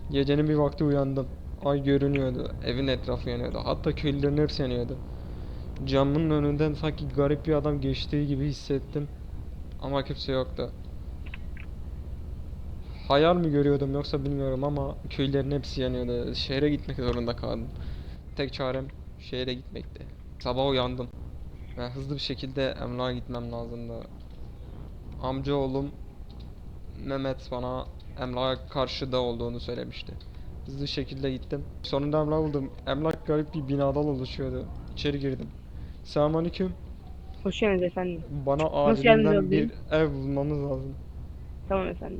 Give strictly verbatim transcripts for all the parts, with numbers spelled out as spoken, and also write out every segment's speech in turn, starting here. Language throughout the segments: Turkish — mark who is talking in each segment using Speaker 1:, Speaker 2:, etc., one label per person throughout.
Speaker 1: Gecenin bir vakti uyandım. Ay görünüyordu. Evin etrafı yanıyordu. Hatta köylülerin hepsi yanıyordu. Camın önünden sanki garip bir adam geçtiği gibi hissettim. Ama kimse yoktu. Hayal mi görüyordum yoksa bilmiyorum ama köylerin hepsi yanıyordu. Şehre gitmek zorunda kaldım. Tek çarem şehre gitmekti. Sabah uyandım ve hızlı bir şekilde emlağa gitmem lazımdı. Amcaoğlum Mehmet bana emlak karşıda olduğunu söylemişti. Hızlı bir şekilde gittim. Sonunda emlak buldum. Emlak garip bir binadan oluşuyordu. İçeri girdim. Selamünaleyküm.
Speaker 2: Hoş geldiniz efendim.
Speaker 1: Bana
Speaker 2: Nasıl yardımcı
Speaker 1: acilinden bir
Speaker 2: olayım?
Speaker 1: ev bulmamız lazım.
Speaker 2: Tamam efendim.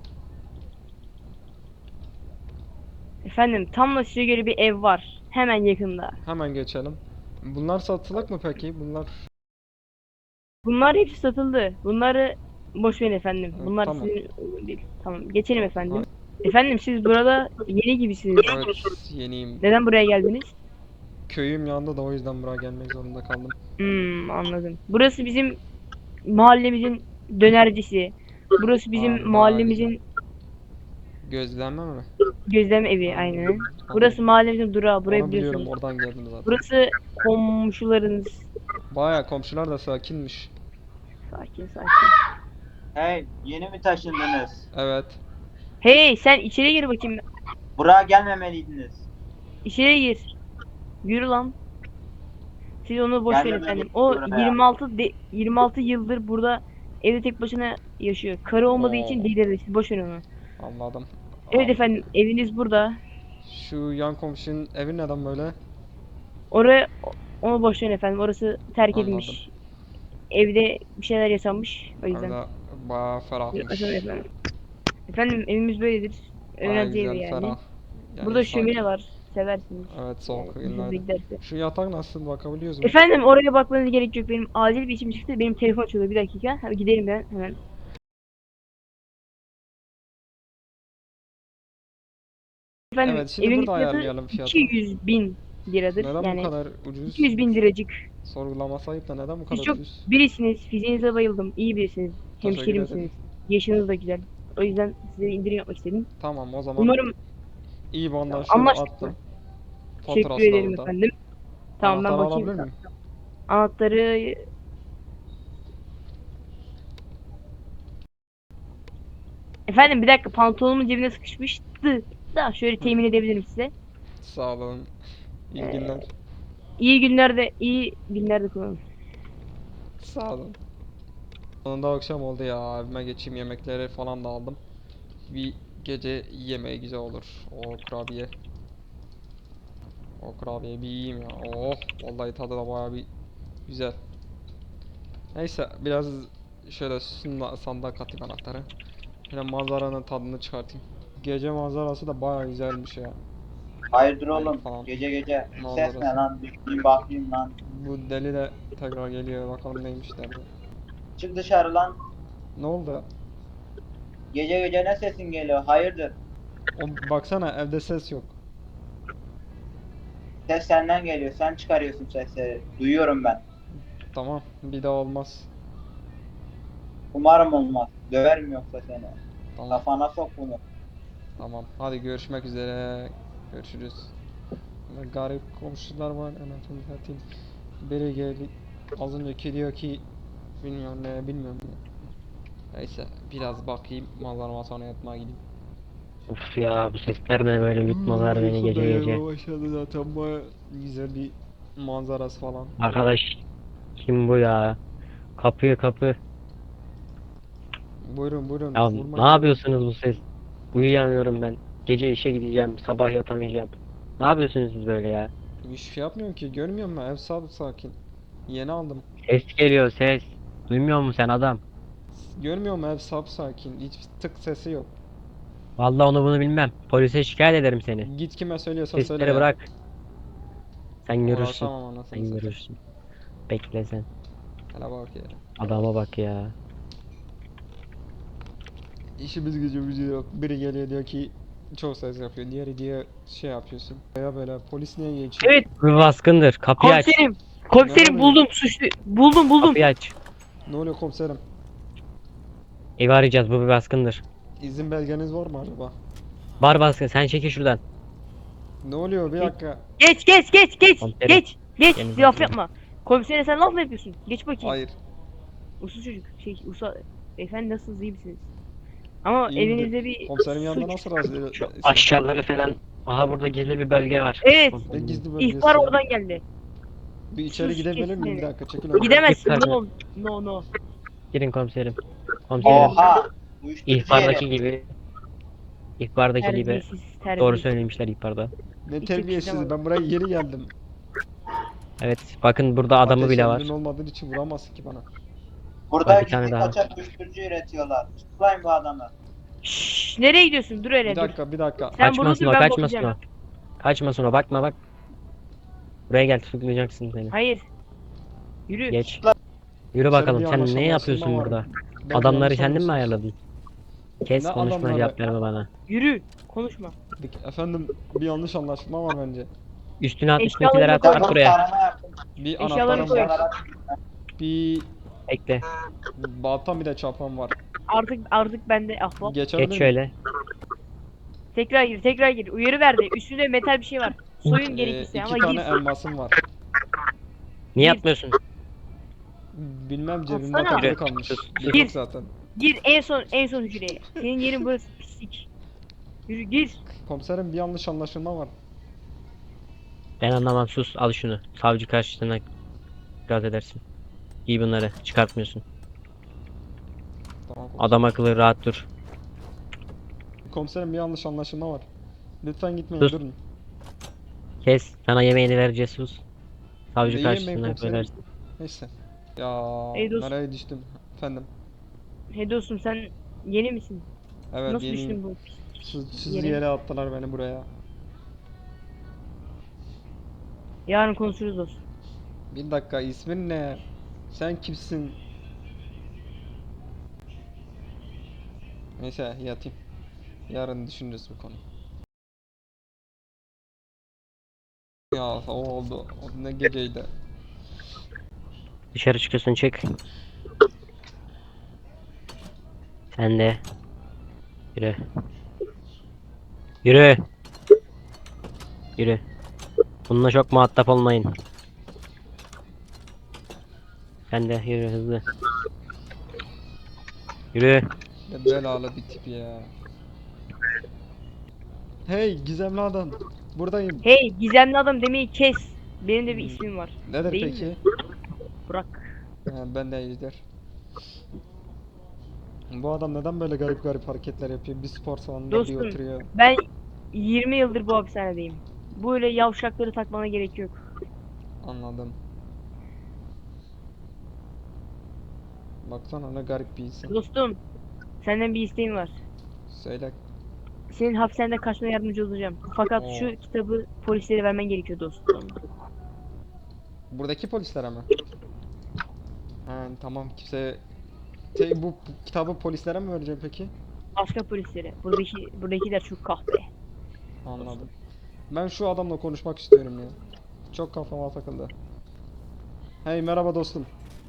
Speaker 2: Efendim tam da size göre bir ev var. Hemen yakında.
Speaker 1: Hemen geçelim. Bunlar satılık mı peki? Bunlar
Speaker 2: Bunlar hepsi satıldı. Bunları boş verin efendim.
Speaker 1: evet,
Speaker 2: Bunlar
Speaker 1: tamam.
Speaker 2: sizin uygun değil. Tamam geçelim efendim.
Speaker 1: Hadi.
Speaker 2: Efendim siz burada yeni gibisiniz.
Speaker 1: Evet, yeniyim.
Speaker 2: Neden buraya geldiniz?
Speaker 1: Köyüm yanında da o yüzden buraya gelmek zorunda kaldım.
Speaker 2: Hmm, anladım. Burası bizim mahallemizin dönercisi. Burası
Speaker 1: Aa,
Speaker 2: bizim
Speaker 1: bayağı güzel.
Speaker 2: mahallemizin
Speaker 1: Gözlenme mi?
Speaker 2: gözlem evi aynen.
Speaker 1: Tamam.
Speaker 2: Burası mahallemizin durağı. Burayı
Speaker 1: Onu biliyorum,
Speaker 2: biliyorsunuz.
Speaker 1: oradan geldim zaten.
Speaker 2: Burası komşularınız.
Speaker 1: Baya komşular da sakinmiş.
Speaker 2: Sakin sakin.
Speaker 3: Hey, yeni mi taşındınız?
Speaker 1: Evet.
Speaker 2: Hey sen içeri gir bakayım.
Speaker 3: Buraya gelmemeliydiniz.
Speaker 2: İçeri gir. Yürü lan. Siz onu boş verin efendim.
Speaker 3: Gelmemeliydiniz
Speaker 2: O
Speaker 3: buraya.
Speaker 2: yirmi altı de, yirmi altı yıldır burada evde tek başına yaşıyor. Karı olmadığı için
Speaker 1: Oo,
Speaker 2: delirdi. Siz boş verin onu.
Speaker 1: anladım.
Speaker 2: Evet
Speaker 1: Am,
Speaker 2: efendim eviniz burada.
Speaker 1: şu yan komşunun evi neden böyle?
Speaker 2: Oraya onu boş verin efendim. Orası terk
Speaker 1: Anladım.
Speaker 2: edilmiş. Evde bir şeyler yaşanmış. O yüzden.
Speaker 1: Öyle baya
Speaker 2: Buyurun,
Speaker 1: ferahmış.
Speaker 2: açalım efendim. Efendim evimiz böyledir.
Speaker 1: Baya
Speaker 2: Öğrenci evi
Speaker 1: güzel,
Speaker 2: yani.
Speaker 1: ferah. Yani
Speaker 2: Burada
Speaker 1: sakin.
Speaker 2: şömine var. Seversiniz.
Speaker 1: Evet,
Speaker 2: Yani
Speaker 1: soğuk
Speaker 2: hoşunuza
Speaker 1: günlerde.
Speaker 2: giderse.
Speaker 1: Şu yatak nasıl, bakabiliyoruz mu?
Speaker 2: Efendim oraya bakmanıza gerek yok. Benim acil bir işim çıktı. Benim telefon çalıyor. Bir dakika. Hadi gidelim ben hemen. Efendim
Speaker 1: Evet, şimdi
Speaker 2: evimin
Speaker 1: burada
Speaker 2: fiyatı
Speaker 1: ayarlayalım fiyatı.
Speaker 2: iki yüz bin liradır.
Speaker 1: Neden bu
Speaker 2: Yani
Speaker 1: kadar ucuz?
Speaker 2: iki yüz bin liracık.
Speaker 1: Sorgulama sahip de neden bu
Speaker 2: Siz
Speaker 1: kadar
Speaker 2: çok
Speaker 1: ucuz?
Speaker 2: birisiniz. Fiziğinize bayıldım. İyi birisiniz.
Speaker 1: Teşekkür ederim.
Speaker 2: Hemşerimsiniz. Yaşınız da güzel. O yüzden size indirim yapmak istedim.
Speaker 1: Tamam, o zaman
Speaker 2: Umarım
Speaker 1: iyi bandan
Speaker 2: tamam,
Speaker 1: şöyle
Speaker 2: anlaştık
Speaker 1: attım.
Speaker 2: mı? Teşekkür
Speaker 1: Faturası da
Speaker 2: ederim
Speaker 1: burada.
Speaker 2: efendim. Tamam ben
Speaker 1: Anahtarı
Speaker 2: bakayım.
Speaker 1: alabilir miyim?
Speaker 2: Anahtarı efendim bir dakika pantolonumun cebine sıkışmıştı. Da şöyle
Speaker 1: Hı.
Speaker 2: temin edebilirim size.
Speaker 1: Sağ olun. İyi
Speaker 2: Ee,
Speaker 1: günler.
Speaker 2: iyi günlerde iyi günlerde kullanın.
Speaker 1: Sağ olun. Sonunda akşam oldu ya. Evime geçeyim, yemekleri falan da aldım. Bir gece yemeği güzel olur. O kurabiye. O kurabiye bir yiyeyim ya. Oh, vallahi tadı da bayağı bir güzel. Neyse, biraz şöyle sunda, sandığa katayım anahtarı. Şöyle manzaranın tadını çıkartayım. Gece manzarası da bayağı güzelmiş ya.
Speaker 3: Hayırdır
Speaker 1: Ay
Speaker 3: oğlum?
Speaker 1: falan.
Speaker 3: Gece gece ses ne
Speaker 1: Manzarası.
Speaker 3: lan? Düşeyim bakayım lan.
Speaker 1: Bu deli de tekrar geliyor. Bakalım neymiş derdi.
Speaker 3: Çık dışarı lan.
Speaker 1: Ne oldu?
Speaker 3: Gece gece ne sesin geliyor? Hayırdır?
Speaker 1: O, baksana, evde ses yok.
Speaker 3: Ses senden geliyor. Sen çıkarıyorsun sesleri. Duyuyorum ben.
Speaker 1: Tamam, bir daha olmaz.
Speaker 3: Umarım olmaz. Döverim yoksa seni.
Speaker 1: Tamam,
Speaker 3: Kafana sok bunu.
Speaker 1: tamam. Hadi görüşmek üzere. Görüşürüz. Böyle garip komşular var. Anasını satayım. Biri geldi. Az önceki diyor ki bilmiyorum ne, bilmiyorum ne. Neyse, biraz bakayım. Manzarama sonra yatmaya gideyim.
Speaker 4: Uf ya bu sesler de böyle yutmalar beni
Speaker 1: Uykum da
Speaker 4: gece gece.
Speaker 1: gelmeye başladı zaten, baya güzel bir manzarası falan.
Speaker 4: Arkadaş kim bu ya? Kapıyı kapı.
Speaker 1: Buyurun buyurun,
Speaker 4: Ya
Speaker 1: vurmayın.
Speaker 4: ne yapıyorsunuz bu ses? Uyuyamıyorum ben. Gece işe gideceğim, sabah yatamayacağım. Ne yapıyorsunuz siz böyle ya?
Speaker 1: Hiçbir şey yapmıyorum ki, görmüyor musun? Ev sabit sakin. Yeni aldım.
Speaker 4: Ses geliyor ses. Duymuyor musun sen adam?
Speaker 1: Görmüyor musun? Ev sabit sakin. Hiç tık sesi yok.
Speaker 4: Vallahi onu bunu bilmem. Polise şikayet ederim seni.
Speaker 1: Git kime söylüyorsan söyle
Speaker 4: Sesleri
Speaker 1: ya.
Speaker 4: bırak. Sen görürsün.
Speaker 1: Uğraşamam anasını
Speaker 4: Sen
Speaker 1: satayım.
Speaker 4: görürsün. Bekle sen.
Speaker 1: Hele bak ya.
Speaker 4: Adama bak ya.
Speaker 1: İşimiz gücümüz yok. Biri geliyor diyor ki çok ses yapıyor. Diğeri diyor şey yapıyorsun. Ya böyle polis niye geçiyor?
Speaker 2: Evet
Speaker 4: Bu bir baskındır. Kapıyı aç.
Speaker 2: komiserim. Komiserim
Speaker 1: Ne
Speaker 2: buldum suçlu. Buldum buldum.
Speaker 4: Kapıyı aç.
Speaker 1: Ne oluyor komiserim?
Speaker 4: Evi arayacağız. Bu bir baskındır.
Speaker 1: İzin belgeniz var mı acaba?
Speaker 4: Var baskın, sen çekil şuradan.
Speaker 1: Ne oluyor bir
Speaker 2: Peki.
Speaker 1: dakika.
Speaker 2: Geç geç geç geç
Speaker 4: Komiserim.
Speaker 2: geç geç
Speaker 4: Gelin
Speaker 2: laf
Speaker 4: bakayım.
Speaker 2: yapma. Komisere sen laf mı yapıyorsun? Geç bakayım.
Speaker 1: Hayır.
Speaker 2: Uslu çocuk. Şey usa efendim nasılsınız iyi misiniz? Ama
Speaker 1: İyiyimdir.
Speaker 2: evinizde bir
Speaker 1: Komiserim yanında
Speaker 2: suç.
Speaker 1: nasıl razı
Speaker 4: Şu aşağıları falan. Aha burada gizli bir bölge var.
Speaker 2: Evet.
Speaker 1: Ne gizli bölgesi
Speaker 2: İhbar
Speaker 1: ya?
Speaker 2: oradan geldi.
Speaker 1: Bir içeri
Speaker 2: Sus,
Speaker 1: gidebilir
Speaker 2: kesin
Speaker 1: miyim? Bir
Speaker 2: beni.
Speaker 1: dakika çekil oradan.
Speaker 2: Gidemezsin.
Speaker 4: Git
Speaker 2: No no no.
Speaker 4: Girin komiserim. Komiserim.
Speaker 3: Oha. Uyuşturucu
Speaker 4: İhbardaki
Speaker 3: yeri.
Speaker 4: gibi. İhbardaki gibi.
Speaker 2: Terbiyesiz
Speaker 4: Doğru
Speaker 2: terbiyesiz.
Speaker 4: söylemişler ihbarda.
Speaker 1: Ne
Speaker 2: Hiç
Speaker 1: terbiyesiz.
Speaker 2: yakıştıramadım.
Speaker 1: Ben buraya yeni geldim.
Speaker 4: Evet, bakın burada adamı
Speaker 1: Ateş
Speaker 4: bile var.
Speaker 1: emrin olmadığı için vuramazsın ki bana.
Speaker 3: Burada
Speaker 4: Var bir tane
Speaker 3: gizli
Speaker 4: daha.
Speaker 3: kaçak uyuşturucu üretiyorlar. Tutuklayın bu adamı.
Speaker 2: Şşş, nereye gidiyorsun? Dur hele
Speaker 1: Bir
Speaker 2: dur.
Speaker 1: dakika bir dakika.
Speaker 2: Sen burada
Speaker 4: Kaçmasın
Speaker 2: dur
Speaker 4: o,
Speaker 2: ben
Speaker 4: kaçmasın o.
Speaker 2: bakacağım.
Speaker 4: Kaçmasın o, bakma bak. Buraya gel, tutuklayacaksın beni.
Speaker 2: Hayır. Yürü.
Speaker 4: Geç.
Speaker 1: Sen
Speaker 4: Yürü bakalım,
Speaker 1: bir
Speaker 4: sen ne
Speaker 1: anlaşılma
Speaker 4: yapıyorsun
Speaker 1: var.
Speaker 4: burada?
Speaker 1: Ben
Speaker 4: Adamları
Speaker 1: yanlış
Speaker 4: kendin mi
Speaker 1: anlamışsın.
Speaker 4: ayarladın? Kes
Speaker 1: Ne
Speaker 4: konuşma,
Speaker 1: adamları?
Speaker 4: cevap verme bana.
Speaker 2: Yürü. Konuşma.
Speaker 1: Bir- Efendim bir yanlış anlaşma var bence.
Speaker 4: Üstüne at,
Speaker 2: Eşyalarını
Speaker 4: üstünekileri at,
Speaker 2: koy.
Speaker 4: at
Speaker 3: Tamam,
Speaker 4: buraya.
Speaker 3: tarama yapın.
Speaker 1: Bir
Speaker 2: Eşyalarını
Speaker 1: anahtarım
Speaker 2: koy.
Speaker 1: var. Bir
Speaker 4: Bekle.
Speaker 1: baltam bir de çapam var.
Speaker 2: Artık artık bende ahbap.
Speaker 1: Geçebilir
Speaker 4: Geç
Speaker 1: miyim?
Speaker 4: şöyle.
Speaker 2: Tekrar gir, tekrar gir. Uyarı verdi. Üstünde metal bir şey var. Soyun
Speaker 1: Ee,
Speaker 2: gerekirse
Speaker 1: iki
Speaker 2: ama
Speaker 1: tane
Speaker 2: gir.
Speaker 1: elmasım var.
Speaker 4: Niye
Speaker 2: Bir-
Speaker 4: atmıyorsun?
Speaker 1: Bilmem cebimde
Speaker 2: Atsana.
Speaker 1: takılı
Speaker 4: Yürü.
Speaker 1: kalmış.
Speaker 4: Sus,
Speaker 1: Bir
Speaker 2: sus.
Speaker 1: yok zaten.
Speaker 2: Gir en son en son hücreye. Senin yerin burası pislik. Yürü gir.
Speaker 1: Komiserim bir yanlış anlaşılma var.
Speaker 4: Ben anlamam, sus, al şunu. Savcı karşısına itiraz edersin. Giy bunları, çıkartmıyorsun.
Speaker 1: Tamam.
Speaker 4: Adam akıllı rahat dur.
Speaker 1: Komiserim bir yanlış anlaşılma var. Lütfen gitmeyin
Speaker 4: Sus.
Speaker 1: durun.
Speaker 4: Kes, sana yemeğini vereceğiz, sus. Savcı
Speaker 1: Ne yemeği
Speaker 4: karşısına
Speaker 1: komiserim?
Speaker 4: söylersin.
Speaker 1: Neyse. Ya
Speaker 2: Ey dost.
Speaker 1: nereye düştüm? Efendim.
Speaker 2: Hey dostum sen yeni misin?
Speaker 1: Evet
Speaker 2: Nasıl
Speaker 1: yeniyim.
Speaker 2: düştün bu?
Speaker 1: Siz
Speaker 2: yere?
Speaker 1: yere attılar beni buraya.
Speaker 2: Yarın konuşuruz dostum.
Speaker 1: Bir dakika ismin ne? Sen kimsin? Neyse yatayım. Yarın düşünürüz bu konuyu. Ya o oldu. O ne geceydi.
Speaker 4: Dışarı çıkıyorsun, çık. Sen de. Yürü. Yürü. Yürü. Bununla çok muhatap olmayın. Sen de yürü hızlı. Yürü.
Speaker 1: Ne belalı bir tip ya. Hey gizemli adam. Buradayım.
Speaker 2: Hey gizemli adam demeyi kes. Benim de bir
Speaker 1: Hmm.
Speaker 2: ismim var.
Speaker 1: Nedir
Speaker 2: Değil
Speaker 1: peki?
Speaker 2: mi? Burak.
Speaker 1: Ha, ben de Ejder. Bu adam neden böyle garip garip hareketler yapıyor? Bir spor salonunda bir
Speaker 2: Dostum.
Speaker 1: oturuyor.
Speaker 2: Ben yirmi yıldır bu hapishanedeyim. Böyle yavşakları takmana gerek yok.
Speaker 1: Anladım. Baksana ne garip bir insan.
Speaker 2: Dostum senden bir isteğim var.
Speaker 1: Söyle.
Speaker 2: Senin hapishaneden kaçmana yardımcı olacağım. Fakat
Speaker 1: Oo.
Speaker 2: şu kitabı polislere vermen gerekiyor dostum.
Speaker 1: Buradaki polislere mi? Ha, tamam kimse... Şey, bu, bu kitabı polislere mi vereceğim peki?
Speaker 2: Başka polislere. Buradaki buradakiler çok kahpe.
Speaker 1: Anladım. Ben şu adamla konuşmak istiyorum ya. Çok kafama takıldı. Hey merhaba dostum.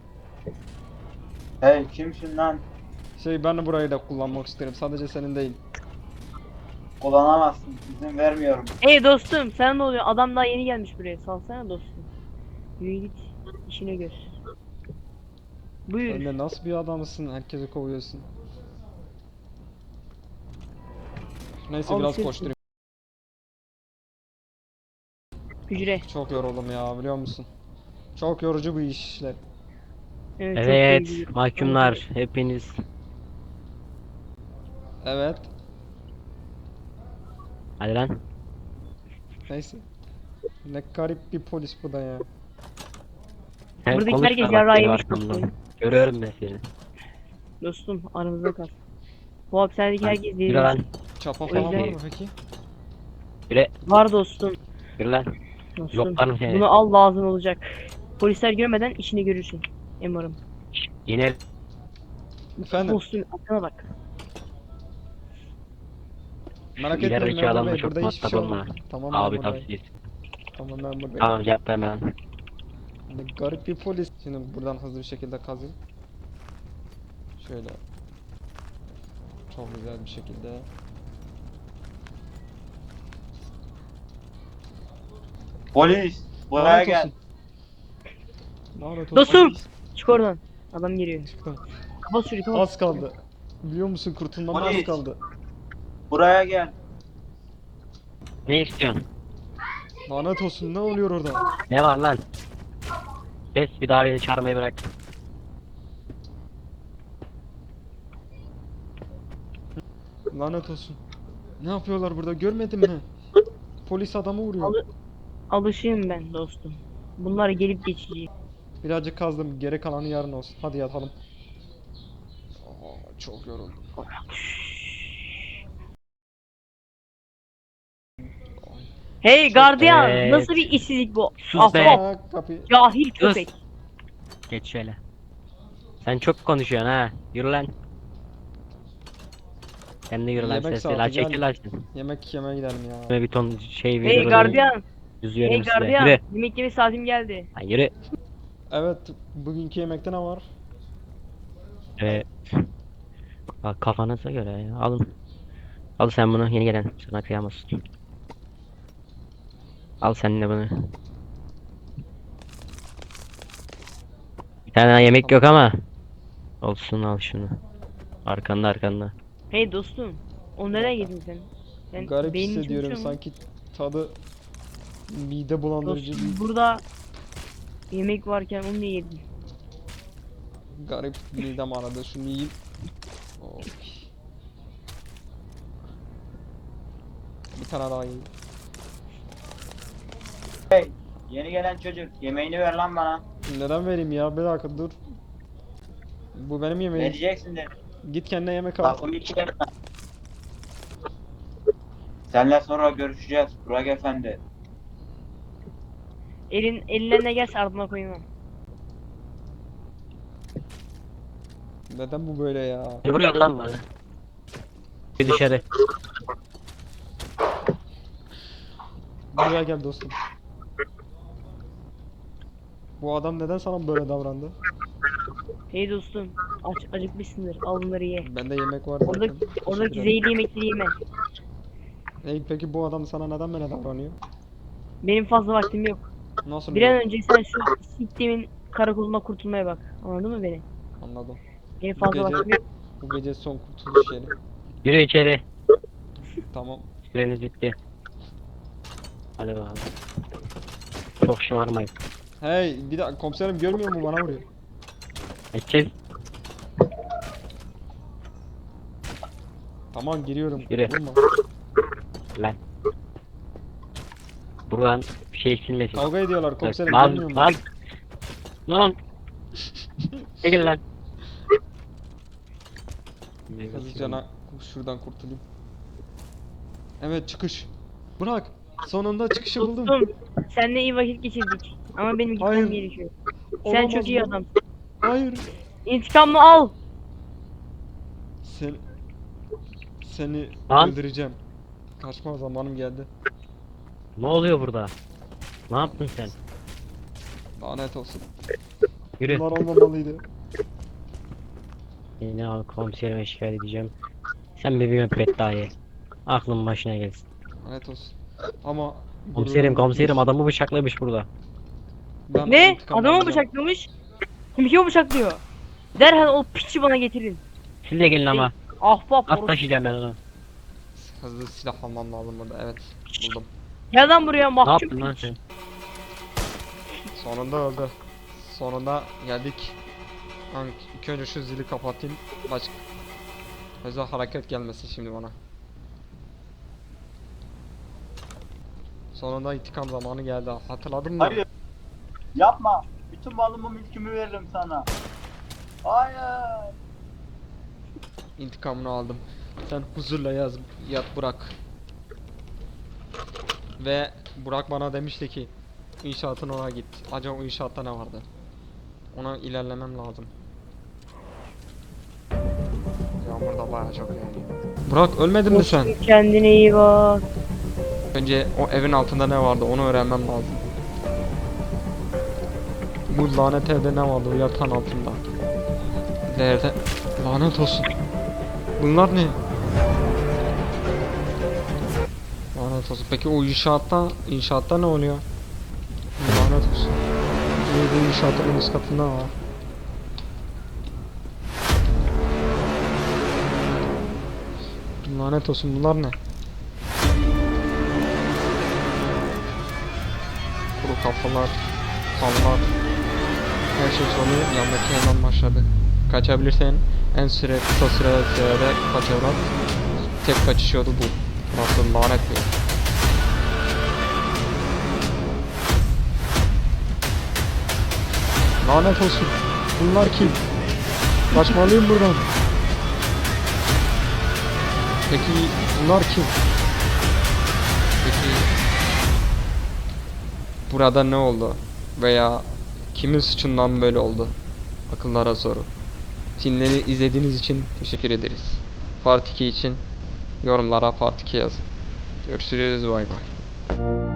Speaker 3: Hey kimsin lan?
Speaker 1: Şey ben de burayı da kullanmak isterim. Sadece senin değil.
Speaker 3: Kullanamazsın. İzin vermiyorum.
Speaker 2: Hey dostum sana ne oluyor? Adam daha yeni gelmiş buraya. Salsana dostum. Yürü git. İşine gör. Buyur.
Speaker 1: Sen de nasıl bir adamsın? Herkesi kovuyorsun. Neyse
Speaker 2: Al
Speaker 1: biraz
Speaker 2: sırtını.
Speaker 1: koşturayım.
Speaker 2: Hücre.
Speaker 1: Çok yoruldum ya biliyor musun? Çok yorucu bu işler.
Speaker 2: Evet. çok
Speaker 4: Evet,
Speaker 2: iyi.
Speaker 4: mahkumlar hepiniz.
Speaker 1: Evet.
Speaker 4: Hadi lan.
Speaker 1: Neyse. Ne garip bir polis bu da ya.
Speaker 4: Sen
Speaker 2: Buradaki
Speaker 4: konuşma,
Speaker 2: herkes
Speaker 4: bak
Speaker 2: yarrağı
Speaker 4: benim
Speaker 2: yemiş
Speaker 4: arkamdan.
Speaker 2: dostum.
Speaker 4: Görüyorum ben seni.
Speaker 2: Dostum aramızda kal. Bu hapishanedeki herkes
Speaker 4: Yürü
Speaker 2: deli.
Speaker 4: lan.
Speaker 1: Çapa falan
Speaker 2: yüzden-
Speaker 1: var mı peki?
Speaker 4: Yürü.
Speaker 2: Var dostum.
Speaker 4: Yürü lan.
Speaker 2: Dostum.
Speaker 4: Yoklarım seni.
Speaker 2: Bunu al lazım olacak. Polisler görmeden işini görürsün. Umarım.
Speaker 4: Yine
Speaker 1: Efendim
Speaker 2: Dostum aklına bak.
Speaker 1: merak
Speaker 4: ileri
Speaker 1: etmeyin
Speaker 4: iki
Speaker 1: memur
Speaker 4: adamla
Speaker 1: bey
Speaker 4: çok
Speaker 1: burada hiçbir
Speaker 4: muhatap
Speaker 1: şey
Speaker 4: olma.
Speaker 1: olmaz. Tamam
Speaker 4: abi
Speaker 1: memur bey.
Speaker 4: tavsiyesi.
Speaker 1: Tamam memur bey.
Speaker 4: Tamam, cevap verme lan.
Speaker 1: Ne garip bir polis. Şimdi buradan hızlı bir şekilde kazayım. Şöyle. Çok güzel bir şekilde.
Speaker 3: Polis. Buraya
Speaker 1: Lanet
Speaker 3: gel.
Speaker 1: olsun. Lanet olsun.
Speaker 2: Dostum! Çık oradan. Adam geliyor.
Speaker 1: Çıktım.
Speaker 2: Kapat şurayı kapat.
Speaker 1: Az kaldı. Biliyor musun kurtulmam az
Speaker 3: Polis.
Speaker 1: kaldı.
Speaker 3: Buraya gel.
Speaker 4: Ne istiyorsun?
Speaker 1: Lanet olsun ne oluyor orada?
Speaker 4: Ne var lan? Kes bir daha beni çağırmayı bırak.
Speaker 1: Lanet olsun. Ne yapıyorlar burada görmedin mi? Polis adamı vuruyor.
Speaker 2: Alı- Alışığım ben dostum. Bunlar gelip geçici.
Speaker 1: Birazcık kazdım. Geri kalanı yarın olsun. Hadi yatalım. Aa, çok yoruldum.
Speaker 2: Hey gardiyan!
Speaker 4: Evet.
Speaker 2: Nasıl bir işsizlik bu?
Speaker 4: Sus be.
Speaker 2: Ahbap,
Speaker 1: Aa, kapıyı.
Speaker 2: cahil köpek.
Speaker 4: Geç şöyle. Sen çok konuşuyorsun ha. Yürü lan. Sen de yürü lan
Speaker 1: Yemek
Speaker 4: sesle.
Speaker 1: saati
Speaker 4: La çekil
Speaker 1: geldi.
Speaker 4: lan sen.
Speaker 1: Yemek yemeye gidelim ya.
Speaker 4: Böyle bir ton şey
Speaker 2: Hey
Speaker 4: veriyorum.
Speaker 2: gardiyan!
Speaker 4: Yüzüyorum
Speaker 2: Hey
Speaker 4: size.
Speaker 2: gardiyan!
Speaker 4: Yürü.
Speaker 2: Yemek yeme saatim geldi.
Speaker 4: Lan yürü.
Speaker 1: Evet, bugünkü yemekte ne var?
Speaker 4: Ee, bak kafanıza göre ya. Alın. Al sen bunu yeni gelen. Sana kıyamazsın. Al sen de bunu. Bir tane daha yemek yok ama. Olsun al şunu. Arkanda arkanda.
Speaker 2: Hey dostum. O nereye gittin sen? Sen
Speaker 1: Garip
Speaker 2: beynin
Speaker 1: hissediyorum
Speaker 2: çalışıyor mu?
Speaker 1: sanki tadı mide bulandırıcı
Speaker 2: Dostum
Speaker 1: bir
Speaker 2: burada yemek varken onu niye yedin?
Speaker 1: garip midem aradı. Şunu yiyeyim. Of. Bir tane daha yiyeyim.
Speaker 3: Hey. Yeni gelen çocuk. Yemeğini ver lan bana.
Speaker 1: Neden vereyim ya? Bir dakika dur. Bu benim yemeğim.
Speaker 3: Vereceksin dedim.
Speaker 1: Git kendine yemek al.
Speaker 3: Lafımı iki yeme. Seninle sonra görüşeceğiz Burak Efendi.
Speaker 2: Elin eline ne gelse ardına koyma.
Speaker 1: Neden bu böyle ya?
Speaker 4: Ne vuruyorsun lan bana? Bir dışarı.
Speaker 1: Buraya gel dostum. Bu adam neden sana böyle davrandı?
Speaker 2: Hey dostum aç acıkmışsındır al bunları ye.
Speaker 1: Bende yemek var zaten.
Speaker 2: Oradaki, oradaki
Speaker 1: Teşekkür ederim.
Speaker 2: zehirli yemekleri yeme.
Speaker 1: Hey, peki bu adam sana neden böyle davranıyor?
Speaker 2: Benim fazla vaktim yok.
Speaker 1: Nasıl
Speaker 2: Bir an
Speaker 1: yok?
Speaker 2: önce sen şu siktimin karakoluna kurtulmaya bak. Anladın mı beni?
Speaker 1: Anladım.
Speaker 2: Benim
Speaker 1: Bu
Speaker 2: fazla
Speaker 1: gece,
Speaker 2: vaktim yok.
Speaker 1: bu gece son kurtuluş yeri.
Speaker 4: Yürü içeri.
Speaker 1: Tamam.
Speaker 4: Süreniz bitti. Hadi bakalım. Çok şımarmayın.
Speaker 1: Hey, bir dakika komiserim görmüyor mu bana vuruyor?
Speaker 4: Geçeceğiz.
Speaker 1: Tamam giriyorum.
Speaker 4: Yürü.
Speaker 1: Vurma.
Speaker 4: Lan. Buradan bir şey silmesin.
Speaker 1: Kavga ediyorlar komiserim
Speaker 4: Lan
Speaker 1: görmüyor mu?
Speaker 4: lan. Lan. Çekil lan.
Speaker 1: Hızlıca şuradan kurtulayım. Evet çıkış. Bırak. Sonunda çıkışı buldum.
Speaker 2: Dostum seninle iyi vakit geçirdik. Ama benim gitmem
Speaker 1: Hayır.
Speaker 2: gerekiyor. Sen
Speaker 1: Olamaz
Speaker 2: çok iyi
Speaker 1: bu.
Speaker 2: adamsın.
Speaker 1: Hayır.
Speaker 2: İntikamını al.
Speaker 1: Sen seni
Speaker 4: Lan.
Speaker 1: öldüreceğim. Kaçma zamanım geldi.
Speaker 4: Ne oluyor burada? Ne yaptın sen?
Speaker 1: Lanet olsun.
Speaker 4: Yürü.
Speaker 1: Bunlar olmamalıydı.
Speaker 4: Yine al komiserime şikayet edeceğim. Sen bir müebbet daha ye. Aklın başına gelsin.
Speaker 1: Lanet olsun. Ama
Speaker 4: Komiserim
Speaker 1: gururum
Speaker 4: komiserim
Speaker 1: gitmiş.
Speaker 4: adamı bıçaklamış burada.
Speaker 1: Ben
Speaker 2: Ne?
Speaker 1: intikam
Speaker 2: Adamı
Speaker 1: alacağım.
Speaker 2: bıçaklamış. Kim kimi bıçaklıyor? Derhal o piçi bana getirin.
Speaker 4: Siz de gelin ama.
Speaker 2: Ahbap
Speaker 4: At
Speaker 2: orası.
Speaker 4: taşıyacağım ben onu.
Speaker 1: Hızlı silah almam lazım burada. Evet buldum.
Speaker 2: Gel lan buraya
Speaker 4: Ne
Speaker 2: mahkum
Speaker 4: yaptın lan
Speaker 2: piç.
Speaker 4: sen?
Speaker 1: Sonunda öldü. Sonunda geldik. Ben ilk önce şu zili kapatayım. Başka özel hareket gelmesin şimdi bana. Sonunda intikam zamanı geldi. Hatırladın mı?
Speaker 3: Hayır. Yapma. Bütün malımı mülkümü veririm sana. Hayır.
Speaker 1: İntikamını aldım. Sen huzurla yaz, yat Burak. Ve Burak bana demişti ki inşaatın ona git. Acaba o inşaatta ne vardı? Ona ilerlemem lazım. Yağmur da bayağı çok yağıyor. Burak ölmedin mi sen?
Speaker 2: Kendine iyi bak.
Speaker 1: Önce o evin altında ne vardı onu öğrenmem lazım. Bu lanet evde ne vardı o yatağın altında? Nerede? Lanet olsun. Bunlar ne? Lanet olsun. Peki o inşaatta, inşaatta ne oluyor? Lanet olsun. İyi bu inşaatın üst katında var. Lanet olsun bunlar ne? Kuru kafalar, kanlar. Her şey sonu yandaki hemen başladı. Kaçabilirsen en süre kısa süre sürede kaçarak tek kaçış yolu bu. Nasıl lanet bir yer. Lanet olsun. Bunlar kim? Kaçmalıyım buradan. Peki bunlar kim? Peki burada ne oldu? Veya kimin suçundan böyle oldu? Akıllara soru. Filmleri izlediğiniz için teşekkür ederiz. Part iki için yorumlara Part iki yazın. Görüşürüz, bay bay.